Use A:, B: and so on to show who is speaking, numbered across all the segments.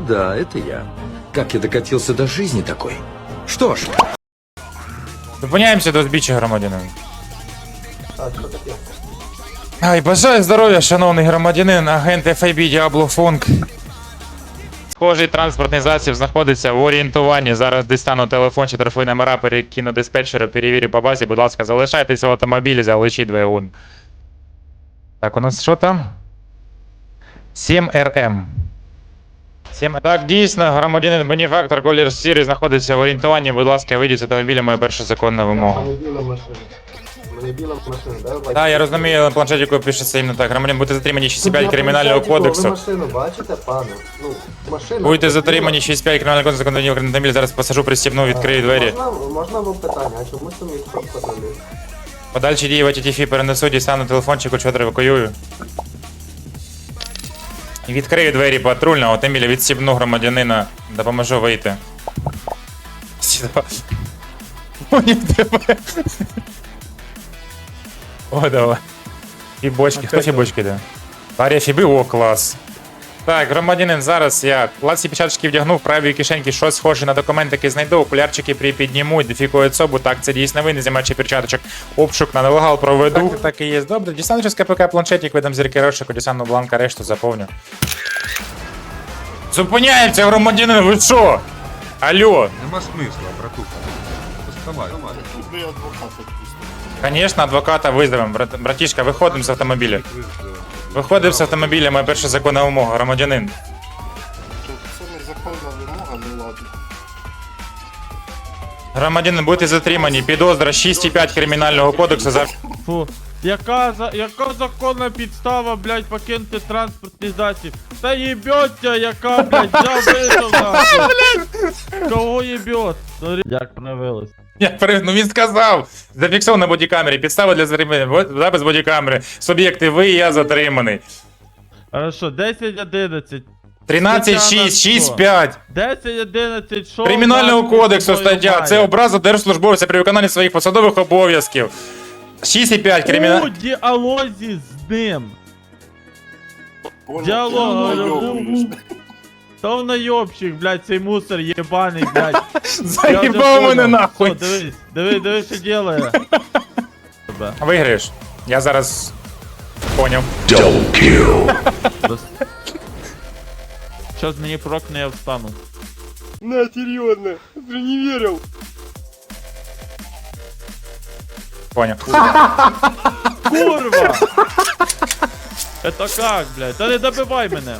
A: да, это я. Как я докатился до жизни такой? Что ж,
B: Зупиняємося до збіччя громадянина.
C: Так, що таке?
B: Ай, бажаю здоров'я, шановний громадянин, агент FIB Diablo Funk. Схожий транспортний засіб знаходиться в орієнтуванні. Зараз дістану телефон чи телефонні номера, перекину диспетчера, перевірю по базі. Будь ласка, залишайтеся в автомобілі, залишіть двигун. Так, у нас що там? 7RM. Так, дійсно, громадянин бенефактор колір сірий знаходиться в орієнтуванні. Будь ласка, вийдіть з автомобіля, моя перша законна вимога.
C: Мене біла машина. Мене біла машина, да?
B: Так, я розумію, на планшетику пишеться іменно так. Громадян, будете затримані 6.5
C: Я
B: кримінального
C: планшетику,
B: кодексу.
C: Ви машину бачите, пане? Ну, машина.
B: Будете затримані 6.5 кримінального кодексу, законодавні автомобіль, зараз посажу, пристібну, відкрию двері.
C: Можна вам питання, а чому це мій патрулі?
B: Подальші дії в АТТФ перенесу, дістану телефончик, чотири евакуюю. І відкрию двері патрульного автомобіля, відсібну громадянина, допоможу вийти. Сюда. Поняв тебе. О, давай. Фібочки, хто фібочки йде? Арія Фіби, о, клас. Так, громадянин, зараз я класні печаточки вдягну, в правій кишеньки щось схоже на документики знайду, окулярчики припідніму, ідентифікую особу, так, це дійсно ви, не знімаючи перчаточок, обшук на нелегал проведу. Так і є, добре, дістану через КПК планшетик, видам зірки розшуку, дістану бланка, решту заповню. Зупиняємося, громадянин, ви що? Алло.
D: Нема смисла, братуха. Доставай.
B: Конечно, адвоката визвемо. Братішка, виходимо з автомобіля. Виходимо з автомобіля, моя перша законна вимога, громадянин.
E: Це незаконна вимога, ну ладно.
B: Громадянин, будете затримані. Підозра 6.5 кримінального кодексу за...
F: Фу. Яка законна підстава, блядь, покинути транспортний засіб? Та їбьоття, яка, блядь, взяв вийшов нахуй. Кого їбьот? Як проявилось?
B: Ну він сказав! Зафіксовано на бодікамері. Підстава для затримання. Запис бодікамери. Суб'єкти, ви і я затриманий.
F: Хорошо, 10-11.
B: 13.6, 6.5.
F: 10-11, що?
B: Кримінального кодексу стаття. Це образа держслужбовця при виконанні своїх посадових обов'язків. 6.5
F: У
B: кримінального...
F: діалозі з ним.
E: Понял,
F: Діалог,
E: ти найобуєш.
F: Та в найобщик, блядь, цей мусор єбаний, блядь.
B: Заїбав мене нахуй.
F: О, дивись, що делає.
B: Виграєш. Я зараз... Поняв.
F: Щас мені прокне, я встану.
E: На, серйозно, ти не вірив.
B: Поняв.
F: Курва! Это как, блядь? Та не добивай мене.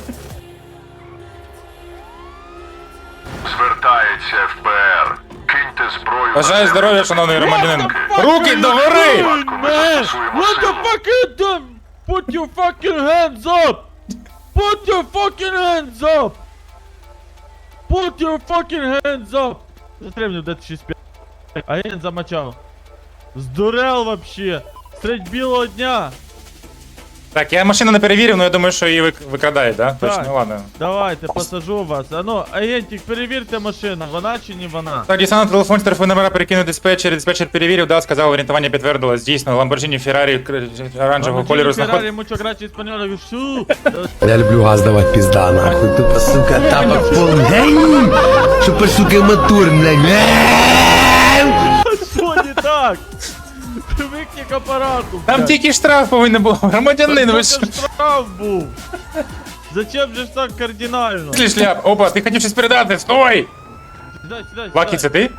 G: Звертається ФБР. Киньте зброю.
B: Бажаю здоров'я, шановний громадянин. Руки догори!
F: Man, what the fuck is that? Put your fucking hands up! Put your fucking hands up! Put your fucking hands up! Затримнув де 6-5. А я замочав. Здурел вообще! Средь білого дня!
B: Так, я машину не перевірив, але я думаю, що її викрадають, да?
F: Так.
B: Точно, ладно.
F: Давайте, посажу вас. А ну, агентик, перевірте машину, вона чи не вона?
B: Так, дістану телефон, телефон номера перекинув диспетчер перевірив, да, сказав, орієнтування підтвердилось, дійсно, Lamborghini Ferrari оранжевого кольору
F: Феррари,
B: знаходиться.
F: mucho gracias, español, шу!
A: я люблю газ давать, пизда, нахуй. Тупо, сука, тапок полный. Супер, сука, мотор, блядь.
F: Що не так? Привикни к апарату,
B: Там
F: блядь.
B: тільки штраф повинен був, громадянин, ви що?
F: Це штраф був. Зачем же ж так кардинально?
B: Пішли, шляп, опа, ти хотів щось передати, стой!
F: Сідай.
B: Лакі, це ти?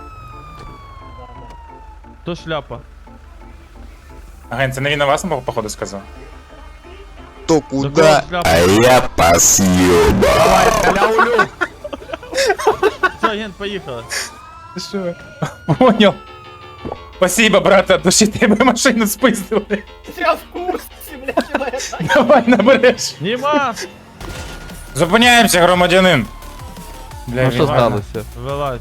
F: То шляпа.
B: Агент, це не він на вас, походу, сказав?
E: То
F: Куда?
E: я пос'єба.
F: Все, агент, поїхали.
B: Ти що? Понял. Спасибо, брат, от душі тебе машину спиздили.
C: Я в курсі, блядь,
B: Давай набереш.
F: Нема!
B: Зупиняємося, громадянин. Бля,
H: Ну що
B: він гарно.
H: сталося?
F: Вилазь.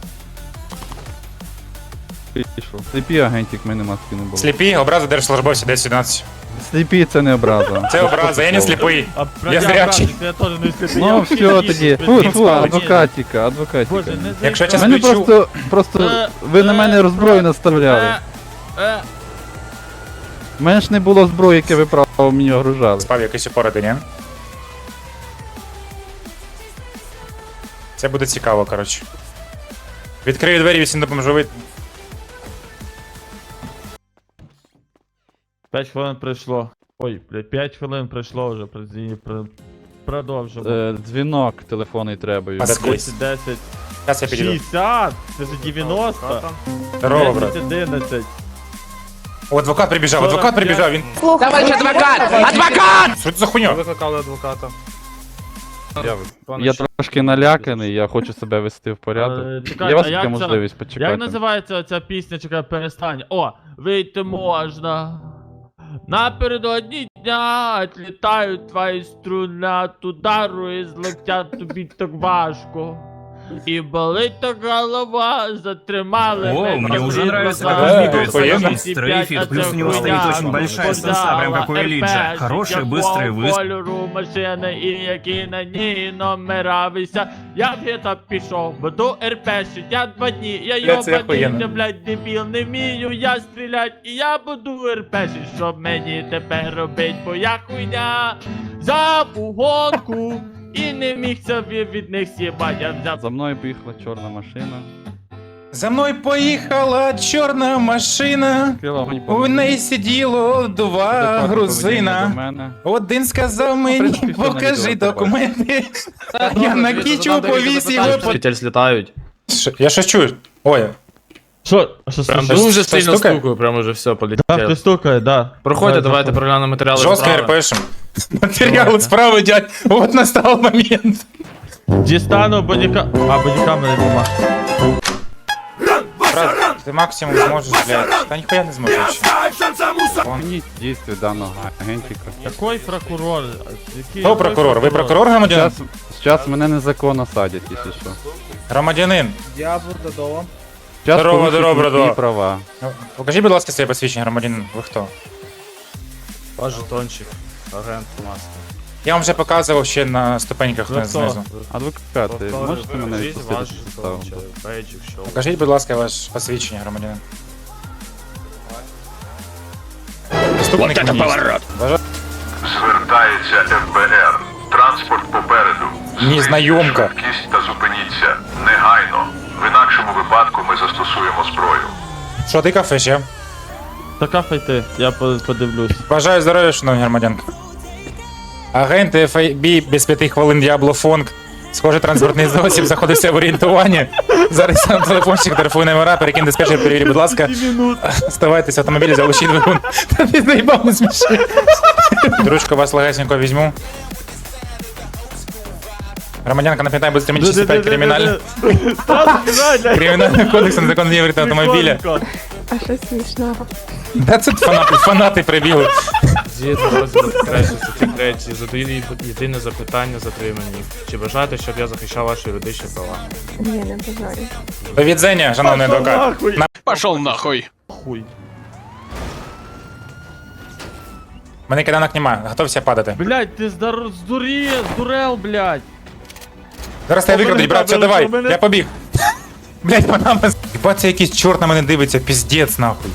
H: Пішов. Сліпі агентик, в мене маски не було.
B: Сліпі, образа держслужбовця 10-11.
H: Сліпі це не образа.
B: Це образа, я не сліпий.
F: А
B: Я зрячий.
F: Я теж не сліпий.
H: Ну все тоді. Фу, адвокатіка.
F: Боже, не
B: Якщо я
F: заїбав.
B: час
H: Мене
B: включу.
H: просто ви на мене розброю наставляли. У мене ж не було зброї, яке ви право мені огружали.
B: Спав якийсь упороди, ні? Це буде цікаво, коротше. Відкрию двері, всім допоможу вийти.
F: 5 хвилин пройшло. Ой, блядь, 5 хвилин пройшло вже, продовжимо.
H: Дзвінок телефонний треба.
B: А,
F: 10, 10,
B: Зараз я підійду.
F: 60, це ж 90,
B: Здорово, брат.
F: 10, 11.
B: О, адвокат прибіжав,
F: 45.
B: він...
A: Товарищ адвокат! Адвокат!
B: Що це за хуйня?
D: Викликали адвоката.
H: Я трошки наляканий, я хочу себе вести в порядок.
F: Чекай,
H: Є у вас
F: а
H: така
F: як
H: можливість
F: Як
H: почекати?
F: називається ця пісня, чекай, перестань. О, вийти можна. Напередодні дня отлітають твої струни от удару і злетять тобі так важко. І болить так голова, затримали
I: О, мне уже нравится, как
B: Да,
I: он двигается.
B: охуенно.
I: Стрейфит, плюс у него стоит очень большая сенса, прям как у Элиджа. Хороший, быстрый выстрел.
F: Кольору машини і які на ній номера висять. Я в гета пішов, буду РПшить, я 2 дні, я
B: Бля, це охуєнно.
F: йобаний, блядь, дебіл, не вмію я стрілять, і я буду РПшить, щоб мені тепер робить, бо я хуйня за гонку. І не міг собі від них с'єбать, я взяв.
H: За мною поїхала чорна машина.
B: За мною поїхала чорна машина. У неї сиділо 2 грузина. Один сказав мені,
H: принципі, все на
B: покажи
H: відео
B: документи. Я на кічу повісив.
I: Злітають.
B: Я щось чую. Ой,
F: Що
I: Прям
B: Щось-
I: дуже
B: щось
I: сильно
B: стукає?
I: стукаю, прям уже все
F: Да,
I: полетіло.
F: ти стукає, да.
I: Проходьте, давайте проглянемо матеріали.
B: жорстко
I: справи.
B: РПшим. Матеріали справи, дядь. От настав момент.
F: Дістану бодіка... А, бодікамери нема.
B: Брат, ти максимум зможеш, блядь. Та ніхуя не зможеш ще.
H: Мені дійстві даного агентіка.
F: Який прокурор? Який
B: Хто прокурор? Ви прокурор громадянин?
H: Зараз мене незаконно садять, якщо що.
B: Громадянин.
H: Зараз
B: Здорово,
H: порушують
B: здорово,
H: мої
B: братва.
H: права.
B: Покажіть, будь ласка, своє посвідчення, громадянин. Ви хто?
I: Ваш жетончик, агент маска.
B: Я вам вже показував ще на ступеньках
F: Ви хто?
B: знизу.
H: Адвокати, можете мене відпустити
I: Ваш
H: з підстави?
I: жетончик, бейджик, що?
B: Покажіть, будь ласка, ваше посвідчення, громадянин. Наступний поворот.
G: Звертається ФБР. Транспорт попереду.
B: Незнайомка.
G: Швидкість та зупиніться. Негайно. В інакшому випадку ми застосуємо зброю.
B: Що ти кафе ще?
F: Така файти, я подивлюсь.
B: Бажаю здоров'я, шановні громадянки. Агент FIB без 5 хвилин Діабло Фонг. Схоже, транспортний засіб заходився в орієнтуванні. Зараз сам телефончик, телефонні номера, перекинь диспетчер, перевірі, будь ласка. Ставайтесь в автомобілі, залишіть двигун. Та ти заїбав, не сміши. Ручку вас легесенько візьму. Громадянка, напам'ятай, буде 365 кримінальний. Кримінальний кодекс незаконної вірити автомобіля.
J: А що смішного?
B: Да це фанати прибігли.
I: Згідно розділу 3 статті 3 задаю єдине запитання затримані. Чи бажаєте, щоб я захищав ваші юридичні права?
J: Ні, не бажаю.
B: До відзення, шановний адвокат.
F: Пошел нахуй. Хуй.
B: Мене киданок немає, готовся падати.
F: Блять, ти здурел, блять.
B: Зараз тебе викрадуть, брат, все, давай,
F: мене-
B: я побіг. Блять, панама. Хіба це якийсь чорт на мене дивиться, піздець нахуй.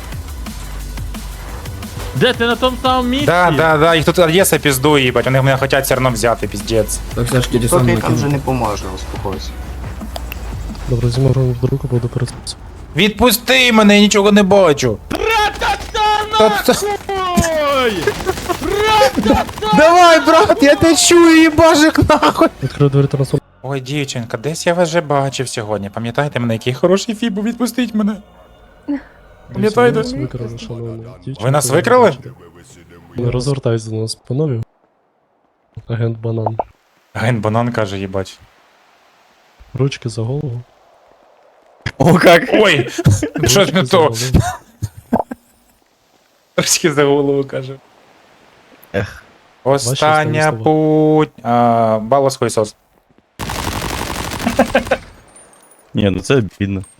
F: Де ти на тому самому місці?
B: Да, їх тут Одеса піздує, їбать, вони мене хочуть все одно взяти, піздець.
C: Тобі там вже не поможе, успокойся.
K: Добре, зімару в руку буду перед.
B: Відпусти мене, я нічого не бачу.
F: Ой!
B: Давай, брат, я те чую, їбажик нахуй.
K: Відкрив двері трансформ.
B: Ой, дівчинка, десь я вас вже бачив сьогодні. Пам'ятаєте мене, який хороший фібу, відпустіть мене. Пам'ятаєте?
K: Нас викрали, шановні.
B: Ви нас викрали?
K: Не розвертайся до нас, панове. Агент Банан.
B: Ген банан каже, їбать.
K: Ручки за голову.
B: О, як? Ой, щось
K: Ручки
B: не
K: за
B: то.
K: голову.
B: Трошки за голову каже. Остання
K: Ваші останні
B: путь. Балос хуйсос.
F: Ні, ну це бідно.